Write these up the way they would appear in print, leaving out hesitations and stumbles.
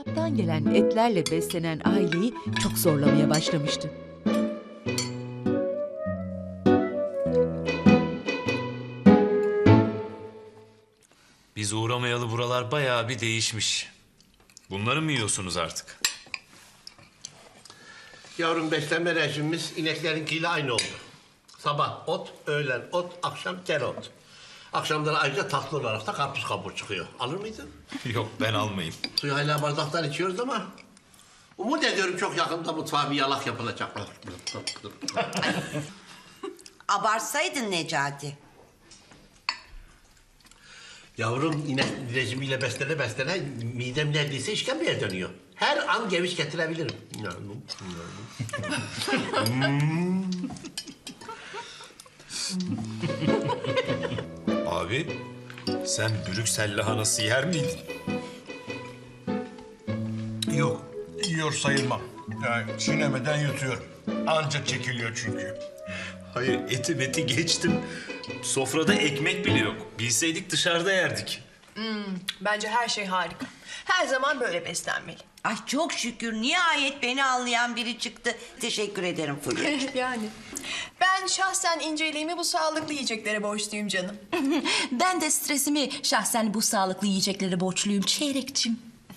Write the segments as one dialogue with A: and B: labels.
A: Kasaptan gelen etlerle beslenen aileyi çok zorlamaya başlamıştı.
B: Biz uğramayalı buralar bayağı bir değişmiş. Bunları mı yiyorsunuz artık?
C: Yavrum beslenme rejimimiz ineklerinkiyle aynı oldu. Sabah ot, öğlen ot, akşam tel ot. Akşamları ayrıca tatlı olarak da karpuz kabuğu çıkıyor. Alır mıydın?
B: Yok ben almayayım.
C: Suyu hala bardaktan içiyoruz ama... Umut ediyorum çok yakında mutfağa bir yalak yapılacak.
D: Abartsaydın Necati.
C: Yavrum inek rejimiyle beslene midem neredeyse işkembeye dönüyor. Her an geviş getirebilirim.
B: Abi sen Brüksel lahanası yer miydin?
E: Yok, yiyor sayılmam. Yani çiğnemeden yutuyorum. Anca çekiliyor çünkü.
B: Hayır eti beti geçtim. Sofrada ekmek bile yok. Bilseydik dışarıda yerdik.
F: Bence her şey harika. Her zaman böyle beslenmeli.
D: Ay çok şükür nihayet beni anlayan biri çıktı. Teşekkür ederim Fulya.
F: Yani. Ben şahsen inceliğimi bu sağlıklı yiyeceklere borçluyum canım.
G: Ben de stresimi şahsen bu sağlıklı yiyeceklere borçluyum Çeyrekçim.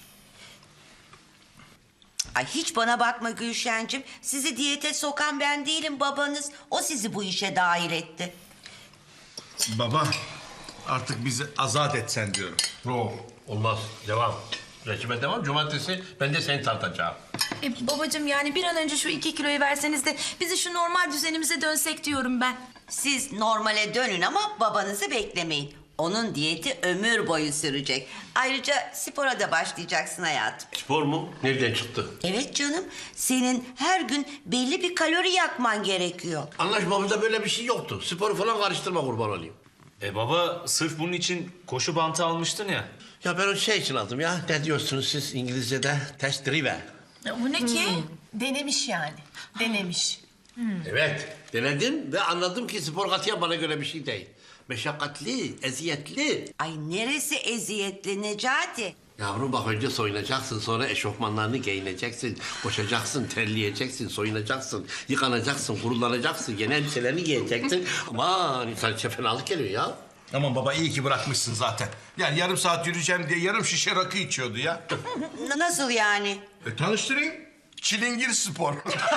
D: Ay hiç bana bakma Gülşen'cim. Sizi diyete sokan ben değilim babanız. O sizi bu işe dahil etti.
E: Baba, artık bizi azat etsen diyorum.
C: Yok, olmaz. Devam. Rejime devam. Cumartesi ben de seni tartacağım.
G: Babacığım yani bir an önce şu 2 kiloyu verseniz de bizi şu normal düzenimize dönsek diyorum ben.
D: Siz normale dönün ama babanızı beklemeyin. Onun diyeti ömür boyu sürecek. Ayrıca spora da başlayacaksın hayatım.
C: Spor mu? Nereden çıktı?
D: Evet canım, senin her gün belli bir kalori yakman gerekiyor.
C: Anlaşmamızda böyle bir şey yoktu. Sporu falan karıştırma kurban olayım.
B: Baba sırf bunun için koşu bantı almıştın ya.
C: Ya ben o şey için aldım ya. Ne diyorsunuz siz İngilizce'de? Test drive.
G: Bu ne ki?
F: Denemiş yani. Denemiş.
C: Evet. Denedim ve anladım ki spor katiyen bana göre bir şey değil. Meşakkatli, eziyetli.
D: Ay neresi eziyetli Necati?
C: Yavrum bak önce soyunacaksın, sonra eşofmanlarını giyineceksin, koşacaksın, terleyeceksin, soyunacaksın, yıkanacaksın, kurulanacaksın, yeni elbiselerini giyeceksin. Aman insan içe fenalık geliyor ya.
E: Aman baba iyi ki bırakmışsın zaten. Yani yarım saat yürüyeceğim diye yarım şişe rakı içiyordu ya.
D: Nasıl yani?
E: Tanıştırayım. Çilingir spor.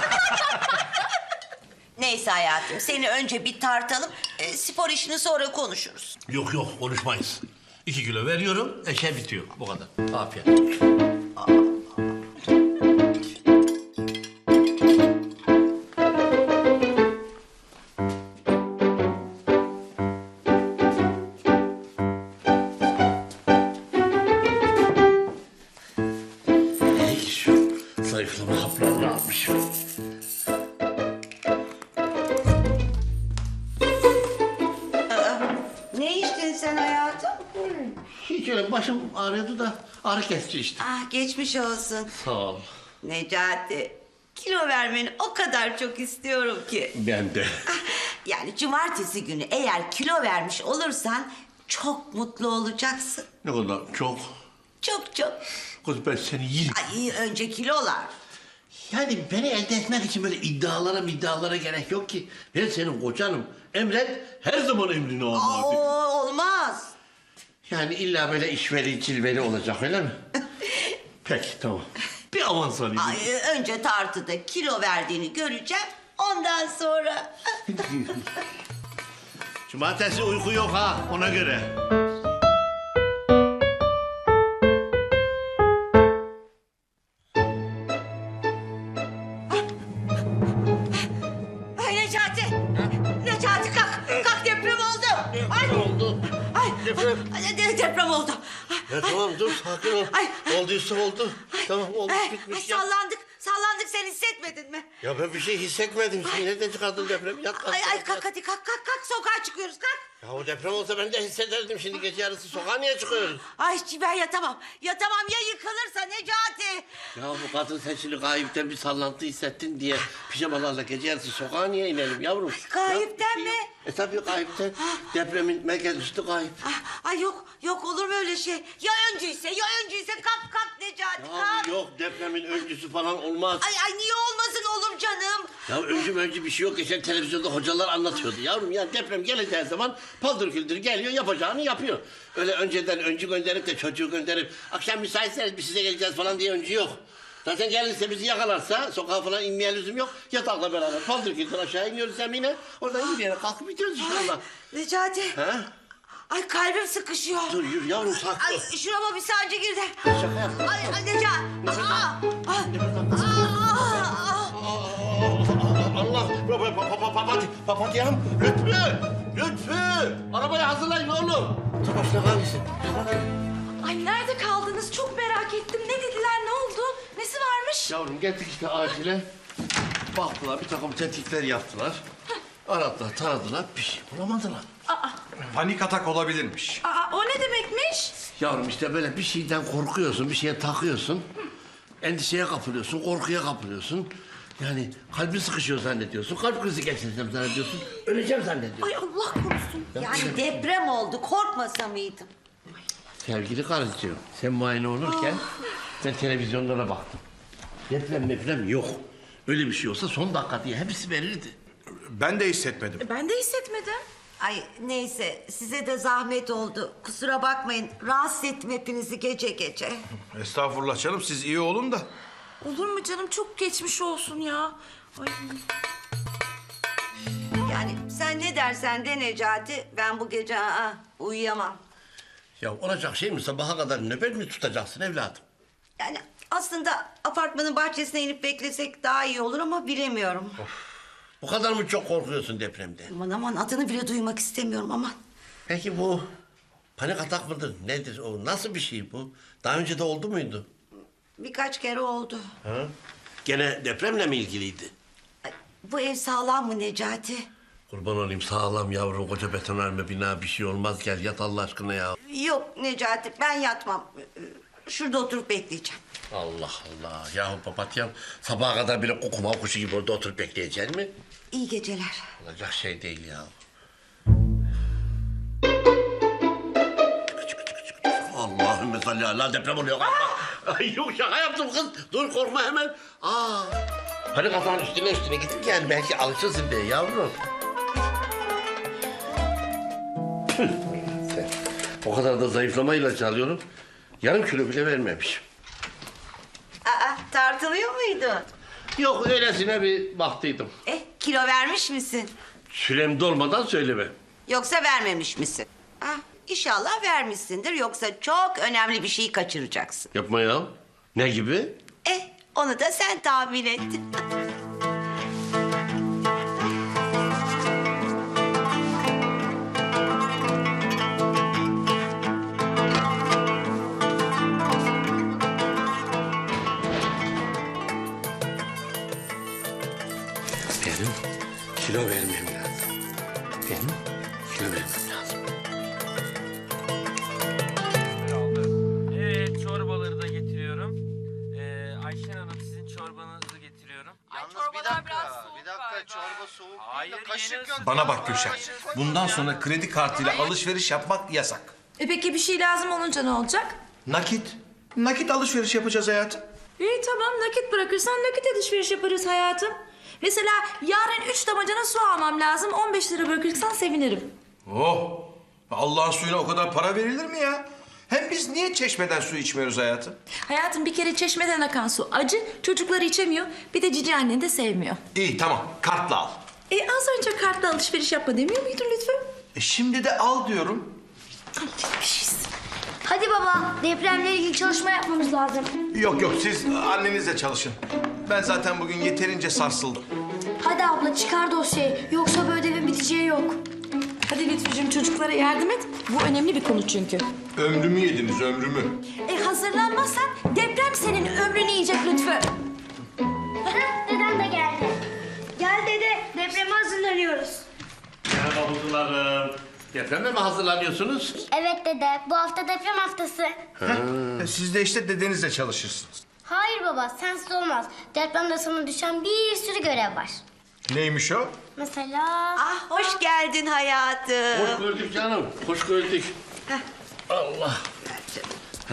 D: Neyse hayatım, seni önce bir tartalım, spor işini sonra konuşuruz.
C: Yok yok konuşmayız. 2 kilo veriyorum, eşe bitiyor. Bu kadar. Afiyet olsun. Hey, şu zayıflama haplarını almışım.
D: Ne içtin sen hayatım?
C: Hiç öyle başım ağrıyordu da ağrı kesici işte.
D: Ah geçmiş olsun.
C: Sağ ol.
D: Necati, kilo vermeni o kadar çok istiyorum ki.
C: Ben de.
D: Yani cumartesi günü eğer kilo vermiş olursan çok mutlu olacaksın.
C: Ne kadar çok.
D: Çok çok.
C: Kız ben seni yerim.
D: Ay önce kilolar.
C: Yani beni elde etmek için böyle iddialara gerek yok ki. Ben senin kocanım. Emret, her zaman emrini al.
D: Olmaz.
C: Yani illa böyle işveli, cilveli olacak öyle mi? Peki, tamam. Bir avans alayım.
D: Ay, önce tartıda kilo verdiğini göreceğim. Ondan sonra...
C: Cumartesi uyku yok ha, ona göre.
D: Ay Necati! Necati kalk! Kalk deprem oldu! Ay!
C: Ne oldu?
D: Ay!
C: Deprem.
D: Deprem oldu.
C: Ya tamam dur, sakin ol.
D: Ay.
C: Olduysa oldu. Tamam olmuş
D: Ay,
C: bitmiş ya.
D: sallandık sen hissetmedin mi?
C: Ya ben bir şey hissetmedim. Sen nereden çıkardın depremi? Yat,
D: Kalk hadi kalk sokağa çıkıyoruz kalk.
C: Ya o deprem olsa ben de hissederdim. Şimdi gece yarısı sokağa niye çıkıyoruz?
D: Ay ben yatamam ya yıkılırsa Necati.
C: Ya bu kadın sen şimdi gayipten bir sallantı hissettin diye pijamalarla gece yarısı sokağa niye inelim yavrum?
D: Gayipten
C: Ya, bir şey
D: mi?
C: yok. Tabii gayipten. Depremin merkez üstü gayip.
D: Ay yok olur mu öyle şey? Ya öncüyse kalk Necati
C: Ya
D: kalk.
C: Yok depremin öncüsü falan olmaz.
D: Ay niye olmasın olur canım?
C: Ya öncü bir şey yok. Geçen televizyonda hocalar anlatıyordu. Yavrum ya deprem geleceği zaman paldır küldür geliyor yapacağını yapıyor. Öyle önceden öncü gönderip de çocuğu gönderip akşam müsaitseniz biz size geleceğiz falan diye öncü yok. Zaten gelirse bizi yakalarsa sokağa falan inmeye lüzum yok. Yatakla beraber paldır küldür aşağı iniyoruz zemine. Oradan yürüyerek kalkıp gidiyoruz inşallah.
D: Necati.
C: Ha?
D: Ay kalbim sıkışıyor.
C: Dur yürü yavrum saklı.
D: Ay şurama bir sancı girdi.
C: Şaka yaptım.
D: Ay Necati.
C: Allah! Papatyam! Lütfü! Arabayı hazırlayın oğlum. Dur başına kalmışsın.
G: Ay nerede kaldınız? Çok merak ettim. Ne dediler? Ne oldu? Nesi varmış?
C: Yavrum geldik işte acile. Baktılar bir takım tetkikler yaptılar. Aradılar, taradılar, bir şey bulamadılar.
E: Panik atak olabilirmiş.
G: Aa, o ne demekmiş?
C: Yavrum işte böyle bir şeyden korkuyorsun, bir şeye takıyorsun. Endişeye kapılıyorsun, korkuya kapılıyorsun. Yani kalbin sıkışıyor zannediyorsun, kalp krizi geçireceğim zannediyorsun. Öleceğim zannediyorsun.
G: Ay Allah korusun.
D: Yani deprem oldu. Korkmasa mıydım?
C: Sevgili karıcığım, sen muayene olurken ben televizyonlara baktım. Deprem yok. Öyle bir şey olsa son dakika diye hepsi verirdi.
E: Ben de hissetmedim.
G: Ben de hissetmedim.
D: Ay neyse size de zahmet oldu. Kusura bakmayın. Rahatsız ettim hepinizi gece gece.
E: Estağfurullah canım, siz iyi olun da.
G: Olur mu canım? Çok geçmiş olsun ya. Ay.
D: Yani sen ne dersen de Necati, ben bu gece uyuyamam.
C: Ya olacak şey mi? Sabaha kadar nöbet mi tutacaksın evladım?
D: Yani aslında apartmanın bahçesine inip beklesek daha iyi olur ama bilemiyorum.
C: Bu kadar mı çok korkuyorsun depremden?
D: Aman adını bile duymak istemiyorum aman.
C: Peki bu panik atak mıdır? Nedir o? Nasıl bir şey bu? Daha önce de oldu muydu?
D: Birkaç kere oldu.
C: Ha? Gene depremle mi ilgiliydi?
D: Ay, bu ev sağlam mı Necati?
C: Kurban olayım sağlam yavrum koca betonarme bina bir şey olmaz gel yat Allah aşkına ya.
D: Yok Necati ben yatmam. Şurada oturup bekleyeceğim.
C: Allah Allah yahu papatyam sabaha kadar bile kokuma kuşu gibi orada oturup bekleyecek mi?
D: İyi geceler.
C: Olacak şey değil ya. Allahümme salli ala deprem oluyor galiba. Ay yok şaka yaptım kız. Dur korkma hemen. Panik atağın üstüne gittik yani belki alışırsın diye yavrum. Tüh, sen. O kadar da zayıflama ilacı alıyorum. Yarım kilo bile vermemiş.
D: Tartılıyor muydu?
C: Yok öylesine bir baktıydım.
D: Kilo vermiş misin?
C: Sürem dolmadan söyleme.
D: Yoksa vermemiş misin? İnşallah vermişsindir. Yoksa çok önemli bir şeyi kaçıracaksın.
C: Yapma ya. Ne gibi?
D: Onu da sen tahmin et.
C: Benim kilo vermem lazım. Benim kilo vermem lazım.
H: Evet, çorbaları da getiriyorum. Ayşen Hanım sizin çorbanızı getiriyorum.
I: Bir dakika çorba soğuk
H: Hayır,
I: değil de kaşık
H: yeni
I: yok.
E: Bana bak Gülşen. Bundan sonra kredi kartıyla alışveriş yapmak yasak.
G: Peki bir şey lazım olunca ne olacak?
E: Nakit. Nakit alışveriş yapacağız hayatım.
G: İyi tamam nakit bırakırsan nakit alışveriş yaparız hayatım. Mesela yarın 3 damacana su almam lazım. 15 lira bırakırsan sevinirim.
E: Oh! Allah'ın suyuna o kadar para verilir mi ya? Hem biz niye çeşmeden su içmiyoruz hayatım?
G: Hayatım bir kere çeşmeden akan su acı. Çocukları içemiyor. Bir de cici annen de sevmiyor.
E: İyi tamam kartla al.
G: Az önce kartla alışveriş yapma demiyor muydun lütfen?
E: Şimdi de al diyorum.
G: Bir şeysin.
J: Hadi baba, depremle ilgili çalışma yapmamız lazım.
E: Yok siz annenizle çalışın. Ben zaten bugün yeterince sarsıldım.
J: Hadi abla çıkar dosyayı, yoksa bu ödevin biteceği yok.
G: Hadi Lütfücüğüm çocuklara yardım et. Bu önemli bir konu çünkü.
E: Ömrümü yediniz ömrümü.
G: Hazırlanmazsan deprem senin ömrünü yiyecek Lütfü.
J: Dedem de geldi. Gel dede, depreme hazırlanıyoruz.
C: Merhaba kuzularım. Depreme mi hazırlanıyorsunuz?
J: Evet dede, bu hafta deprem haftası.
E: Siz de işte dedenizle çalışırsınız.
J: Hayır baba, sensiz olmaz. Depremde sana düşen bir sürü görev var.
E: Neymiş o?
J: Mesela...
D: Hoş geldin hayatım.
C: Hoş gördük canım. Hoş gördük. Allah.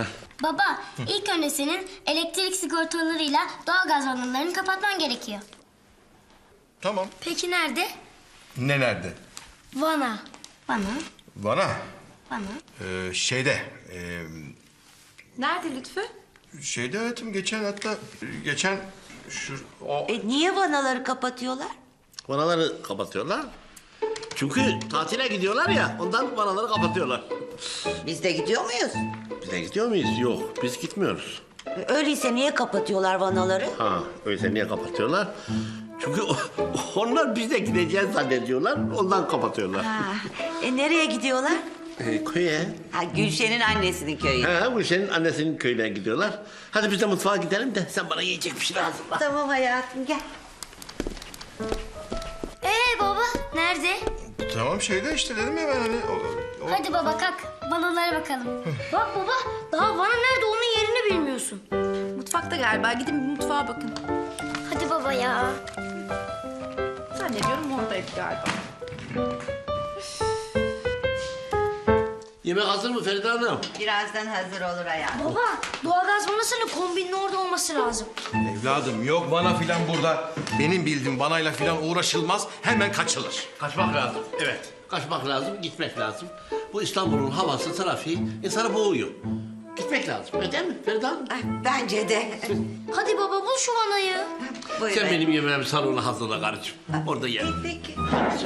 J: Baba, ilk önce senin elektrik sigortalarıyla doğalgaz vanalarını kapatman gerekiyor.
E: Tamam.
J: Peki nerede?
E: Ne nerede?
J: Vana. Vana.
E: Bana.
J: Vana.
E: Şeyde.
G: Nerede Lütfü?
E: Şeyde hayatım geçen o
D: Niye vanaları kapatıyorlar?
C: Vanaları kapatıyorlar. Çünkü tatile gidiyorlar ya, ondan vanaları kapatıyorlar.
D: Biz de gidiyor muyuz?
C: Biz de gidiyor muyuz? Yok, biz gitmiyoruz.
D: Öyleyse niye kapatıyorlar vanaları?
C: Ha, öyleyse niye kapatıyorlar? Çünkü onlar biz de gideceğiz zannediyorlar, ondan kapatıyorlar.
D: Nereye gidiyorlar?
C: Köye.
D: Ha, Gülşen'in annesinin köyü.
C: Ha, bu senin annesinin köyüne gidiyorlar. Hadi biz de mutfağa gidelim de sen bana yiyecek bir şey hazırla.
D: Tamam hayatım gel.
J: Baba, nerede?
E: tamam şeyde işte dedim ya ben hani
J: Hadi baba kalk, vanalara bakalım. Bak baba, daha vana nerede onun yerini bilmiyorsun.
G: Mutfakta galiba. Gidin bir mutfağa bakın.
J: Hadi baba ya.
G: Zannediyorum oradaydı galiba.
C: Yemek hazır mı Feride Hanım?
D: Birazdan hazır olur hayatım.
J: Baba, doğalgaz vanasının kombinin orada olması lazım.
E: evladım yok bana filan burada. Benim bildiğim vanayla filan uğraşılmaz. Hemen kaçılır.
C: Kaçmak lazım. Evet. Kaçmak lazım, gitmek lazım. Bu İstanbul'un havası, trafiği insanı boğuyor. Gitmek lazım. Öyle değil mi Feride Hanım?
D: Bence de.
J: Hadi baba bul şu vanayı.
D: Buyurun.
C: Sen benim yemeğimi salona hazırla karıcığım. Orada yerim.
D: Peki.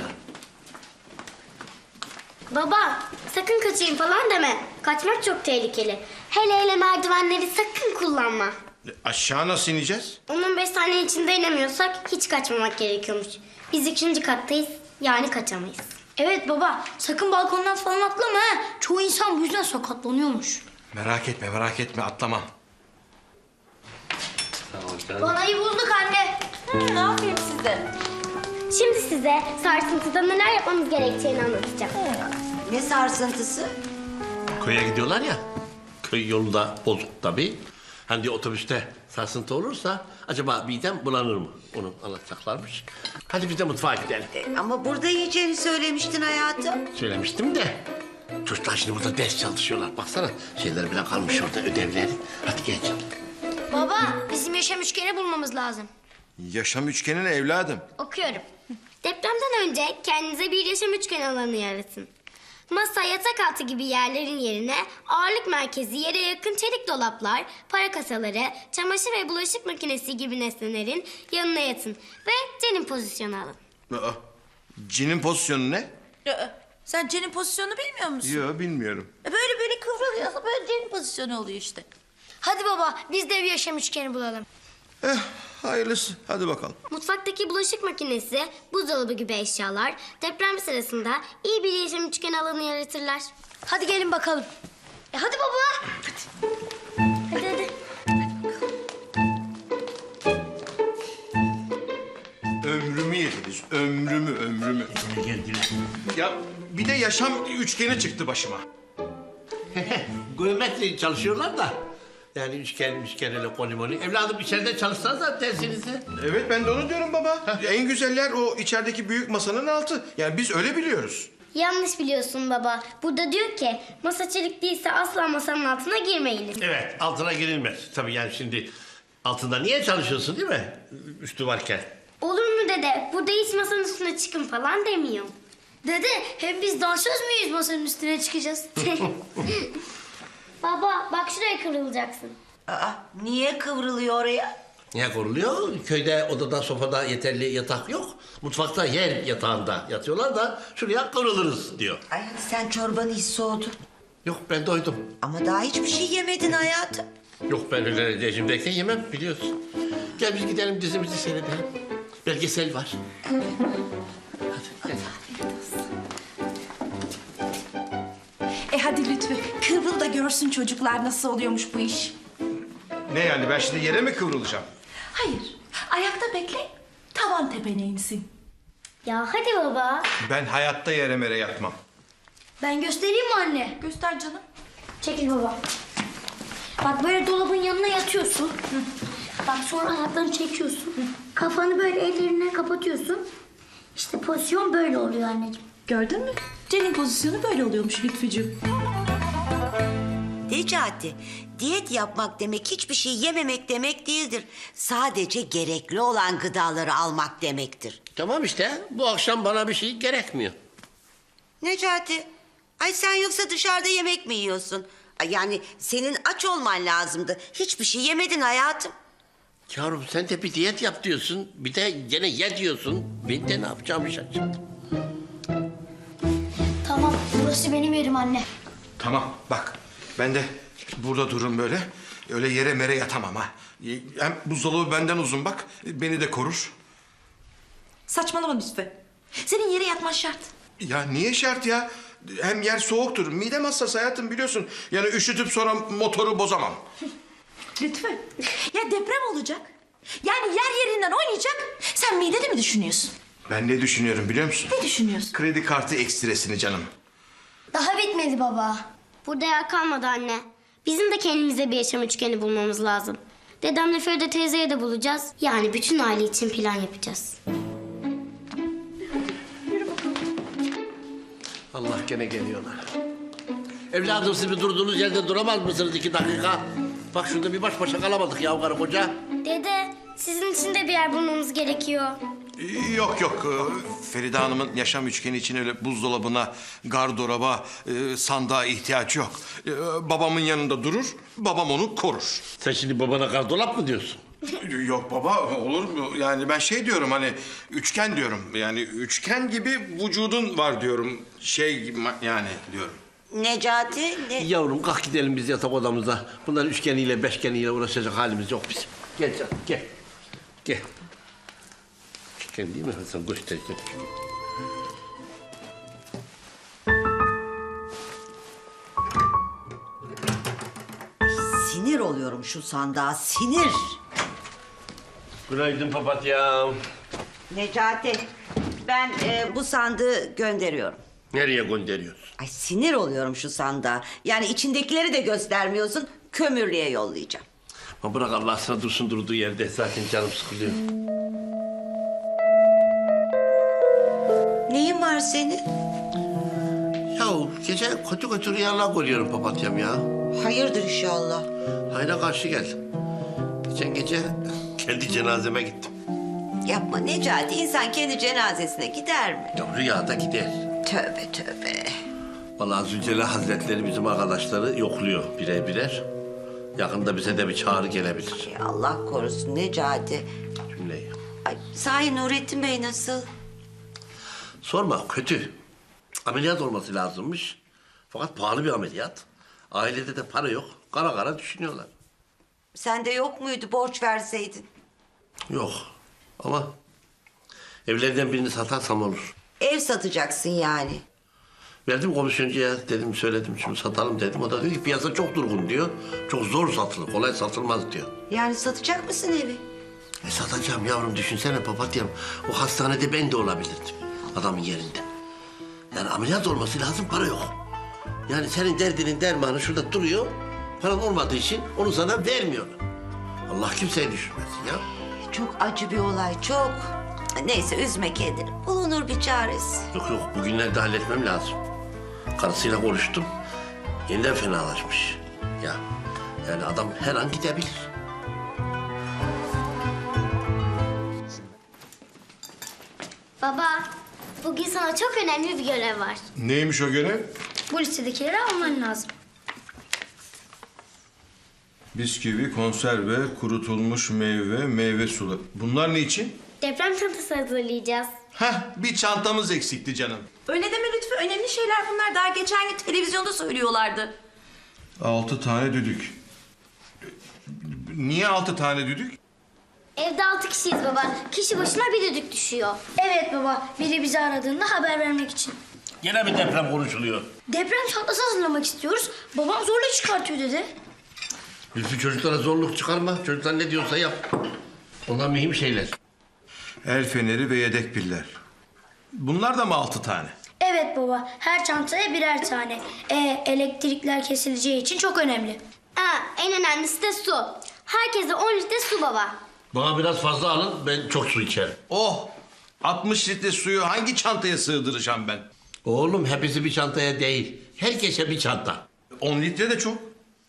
J: Baba, sakın kaçayım falan deme. Kaçmak çok tehlikeli. Hele merdivenleri sakın kullanma.
E: Aşağı nasıl ineceğiz?
J: 15 saniye içinde inemiyorsak hiç kaçmamak gerekiyormuş. Biz 2. kattayız, yani kaçamayız. Evet baba, sakın balkondan falan atlama ha. Çoğu insan bu yüzden sakatlanıyormuş.
E: Merak etme atlamam.
J: Vanayı bulduk anne.
G: Ne yapayım size?
J: Şimdi size sarsıntıda neler yapmamız gerektiğini anlatacağım.
D: Ne sarsıntısı?
C: Köye gidiyorlar ya. Köy yolu da bozuk tabii. Hani diyor, otobüste sarsıntı olursa acaba midem bulanır mı? Onu anlatacaklarmış. Hadi biz de mutfağa gidelim.
D: Ama burada yiyeceğini söylemiştin hayatım.
C: Söylemiştim de. Çocuklar şimdi burada ders çalışıyorlar. Baksana şeyler bile kalmış orada, ödevleri. Hadi gel canım.
J: Baba, bizim yaşam üçgeni bulmamız lazım.
E: Yaşam üçgeni ne evladım?
J: Okuyorum. Depremden önce kendinize bir yaşam üçgeni alanı yaratın. Masa, yatak altı gibi yerlerin yerine ağırlık merkezi yere yakın çelik dolaplar, para kasaları, çamaşır ve bulaşık makinesi gibi nesnelerin yanına yatın. Ve cenin pozisyonu alın.
E: Aa, cinin pozisyonu ne?
G: Sen Cen'in pozisyonunu bilmiyor musun?
E: Yok bilmiyorum.
G: Böyle kıvrılıyorsa böyle Cen'in pozisyonu oluyor işte.
J: Hadi baba, biz de bir yaşam üçgeni bulalım.
E: Hayırlısı hadi bakalım.
J: Mutfaktaki bulaşık makinesi, buzdolabı gibi eşyalar deprem sırasında iyi bir yaşam üçgeni alanı yaratırlar. Hadi gelin bakalım. Hadi baba. Hadi.
E: Ömrümü yediniz ömrümü.
C: Geldiler.
E: Ya bir de yaşam üçgeni çıktı başıma.
C: Geometri çalışıyorlar da. Yani üçgen öyle kolimoni. Evladım içeride çalışsanız da dersinizi.
E: Evet ben de onu diyorum baba. En güzeller o içerideki büyük masanın altı. Yani biz öyle biliyoruz.
J: Yanlış biliyorsun baba. Burada diyor ki masa çelik değilse asla masanın altına girmeyiniz.
C: Evet, altına girilmez. Tabii yani şimdi altında niye çalışıyorsun değil mi? Üstü varken.
J: Olur mu dede? Burada hiç masanın üstüne çıkın falan demiyor. Dede hem biz dansöz müyüz masanın üstüne çıkacağız? Baba bak şuraya kırılacaksın.
D: Niye kıvrılıyor oraya?
C: Niye koruluyor? Köyde odada sofada yeterli yatak yok. Mutfakta yer yatağında yatıyorlar da şuraya kırılırız diyor.
D: Ay hadi sen çorbanı hiç soğudu.
C: Yok ben doydum.
D: Ama daha hiçbir şey yemedin hayatım.
C: Yok ben öyle rejimdeyken yemem biliyorsun. Gel biz gidelim dizimizi seyredelim. Belgesel var. Hadi gel.
G: Hadi Lütfü. Kıvrıl da görsün çocuklar nasıl oluyormuş bu iş.
E: Ne yani ben şimdi yere mi kıvrılacağım?
G: Hayır. Ayakta bekle. Tavan tepene insin.
J: Ya hadi baba.
E: Ben hayatta yere mere yatmam.
J: Ben göstereyim mi anne?
G: Göster canım.
J: Çekil baba. Bak böyle dolabın yanına yatıyorsun. Bak sonra ayaklarını çekiyorsun. Kafanı böyle ellerine kapatıyorsun. İşte pozisyon böyle oluyor anneciğim.
G: Gördün mü? Cen'in pozisyonu böyle oluyormuş Lütfücüğüm.
D: Necati, diyet yapmak demek hiçbir şey yememek demek değildir. Sadece gerekli olan gıdaları almak demektir.
C: Tamam işte bu akşam bana bir şey gerekmiyor.
D: Necati, ay sen yoksa dışarıda yemek mi yiyorsun? Ay yani senin aç olman lazımdı. Hiçbir şey yemedin hayatım.
C: Yavrum sen de bir diyet yap diyorsun. Bir de gene ye diyorsun. Ben de ne yapacağımı şaşırdım.
J: Tamam, burası benim yerim anne.
E: Tamam bak ben de burada dururum böyle. Öyle yere mere yatamam ha. Hem buzdolabı benden uzun bak. Beni de korur.
G: Saçmalama Lütfü. Senin yere yatman şart.
E: Ya niye şart ya? Hem yer soğuktur. Midem hassas hayatım biliyorsun. Yani üşütüp sonra motoru bozamam.
G: Lütfü. Ya deprem olacak. Yani yer yerinden oynayacak. Sen midede mi düşünüyorsun?
E: Ben ne düşünüyorum biliyor musun?
G: Ne düşünüyorsun?
E: Kredi kartı ekstresini canım.
J: Daha bitmedi baba. Burada yer kalmadı anne. Bizim de kendimize bir yaşam üçgeni bulmamız lazım. Dedemle Feride teyzeye de bulacağız. Yani bütün aile için plan yapacağız.
C: Allah gene geliyorlar. Evladım siz bir durduğunuz yerde duramaz mısınız 2 dakika? Bak şurada bir baş başa kalamadık ya karı koca.
J: Dede, sizin için de bir yer bulmamız gerekiyor.
E: Yok yok. Feride Hanım'ın yaşam üçgeni için öyle buzdolabına, gardıroba, sandığa ihtiyaç yok. Babamın yanında durur, babam onu korur.
C: Sen şimdi babana gardolap mı diyorsun?
E: Yok baba olur mu? Yani ben şey diyorum hani üçgen diyorum. Yani üçgen gibi vücudun var diyorum. Şey gibi yani diyorum.
D: Necati,
C: Yavrum kalk gidelim biz yatak odamıza. Bunların üçgeniyle beşgeniyle uğraşacak halimiz yok bizim. Gel canım gel. Gel. Üçgen değil mi Hasan? Göstereceğim.
D: sinir oluyorum şu sandığa, sinir.
C: Günaydın papatyam.
D: Necati, ben bu sandığı gönderiyorum.
C: Nereye gönderiyorsun?
D: Ay sinir oluyorum şu sandığa. Yani içindekileri de göstermiyorsun, kömürlüğe yollayacağım.
C: Ama bırak Allah sana dursun durduğu yerde. Zaten canım sıkılıyor.
D: Neyin var senin?
C: Yahu gece kötü kötü rüyalar görüyorum papatyam ya.
D: Hayırdır inşallah.
C: Hayra karşı geldim. Geçen gece kendi cenazeme gittim.
D: Yapma Necati, insan kendi cenazesine gider mi?
C: Ya rüyada gider.
D: Tövbe tövbe.
C: Vallahi Zülcelal Hazretleri bizim arkadaşları yokluyor birer birer. Yakında bize de bir çağrı gelebilir.
D: Ya Allah korusun Necati.
C: Cümleyi.
D: Ay, sahi Nurettin Bey nasıl?
C: Sorma kötü. Ameliyat olması lazımmış. Fakat pahalı bir ameliyat. Ailede de para yok. Kara kara düşünüyorlar.
D: Sende yok muydu, borç verseydin?
C: Yok ama evlerden birini satarsam olur.
D: Ev satacaksın yani.
C: Verdim komisyoncuya dedim söyledim şunu satalım dedim. O da diyor ki piyasa çok durgun diyor. Çok zor satılır kolay satılmaz diyor.
D: Yani satacak mısın evi?
C: Satacağım yavrum düşünsene papatyam. O hastanede ben de olabilirdim adamın yerinde. Yani ameliyat olması lazım para yok. Yani senin derdinin dermanı şurada duruyor. Paran olmadığı için onu sana vermiyorlar. Allah kimseyi düşürmesin ya.
D: Çok acı bir olay, çok. Neyse üzme kendini. Bulunur bir çaresi.
C: Yok yok bugünlerde halletmem lazım. Karısıyla konuştum. Yeniden fenalaşmış. Ya yani adam her an gidebilir.
J: Baba, bugün sana çok önemli bir görev var.
E: Neymiş o görev?
J: Bu listedekileri alman lazım.
E: Bisküvi, konserve, kurutulmuş meyve, meyve suları. Bunlar ne için?
J: Deprem çantası hazırlayacağız.
E: Heh, bir çantamız eksikti canım.
G: Öyle deme Lütfü. Önemli şeyler bunlar. Daha geçen gün televizyonda söylüyorlardı.
E: 6 tane düdük. Niye 6 tane düdük?
J: Evde 6 kişiyiz baba. Kişi başına bir düdük düşüyor. Evet baba. Biri bizi aradığında haber vermek için.
C: Yine bir deprem konuşuluyor.
J: Deprem çantası hazırlamak istiyoruz. Babam zorla çıkartıyor dedi.
C: Lütfü çocuklara zorluk çıkarma. Çocuklar ne diyorsa yap. Onlar mühim şeyler.
E: El feneri ve yedek piller. Bunlar da mı 6 tane?
J: Evet baba. Her çantaya birer tane. Elektrikler kesileceği için çok önemli. En önemlisi de su. Herkese 10 litre su baba.
C: Bana biraz fazla alın. Ben çok su içerim.
E: Oh! 60 litre suyu hangi çantaya sığdıracağım ben?
C: Oğlum hepsi bir çantaya değil. Herkese bir çanta.
E: 10 litre de çok.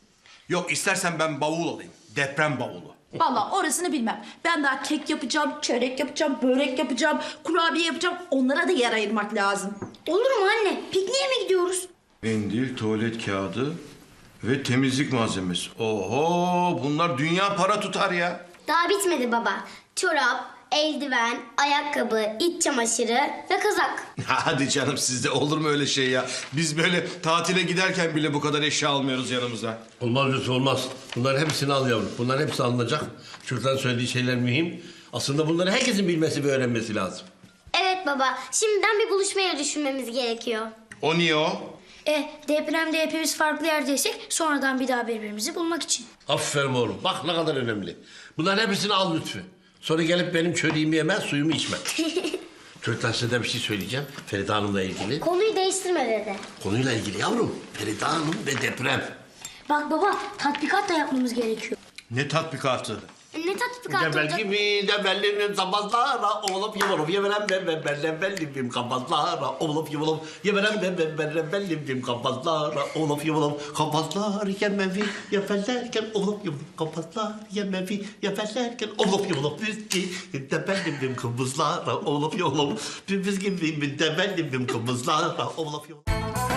E: Yok istersen ben bavul alayım. Deprem bavulu.
G: Vallahi orasını bilmem. Ben daha kek yapacağım, çörek yapacağım, börek yapacağım, kurabiye yapacağım. Onlara da yer ayırmak lazım.
J: Olur mu anne? Pikniğe mi gidiyoruz?
E: Mendil, tuvalet kağıdı ve temizlik malzemesi. Oho bunlar dünya para tutar ya.
J: Daha bitmedi baba. Çorap, eldiven, ayakkabı, iç çamaşırı ve kazak.
E: Hadi canım sizde olur mu öyle şey ya? Biz böyle tatile giderken bile bu kadar eşya almıyoruz yanımıza.
K: Olmaz Lütfü olmaz. Bunların hepsini al yavrum. Bunların hepsi alınacak. Çocukların söylediği şeyler mühim. Aslında bunları herkesin bilmesi ve öğrenmesi lazım.
J: Evet baba. Şimdiden bir buluşmaya düşünmemiz gerekiyor.
E: O niye o?
J: Depremde hepimiz farklı yerdeysek sonradan bir daha birbirimizi bulmak için.
K: Aferin oğlum. Bak ne kadar önemli. Bunların hepsini al Lütfü. Sonra gelip benim çöreğimi yemez, suyumu içme. Çocuklar size de bir şey söyleyeceğim. Feride Hanım'la ilgili.
J: Konuyu değiştirme dede.
K: Konuyla ilgili yavrum. Feride Hanım ve deprem.
J: Bak baba, tatbikat da yapmamız gerekiyor.
E: Ne tatbikatı?
J: Ne tatbikat
K: Devel
J: olacak?
K: gibi devellerin sabahlara olup yumurup yeverem ben kabazlara olup yumurup yeverem ben kabazlara olup yumurup kabazlar yemevi yefellerken olup yumurup kabazlar yemevi yefellerken olup yumurup biz ki devellim kabızlara olup yumurup biz gibi devellim kabızlara olup yumurup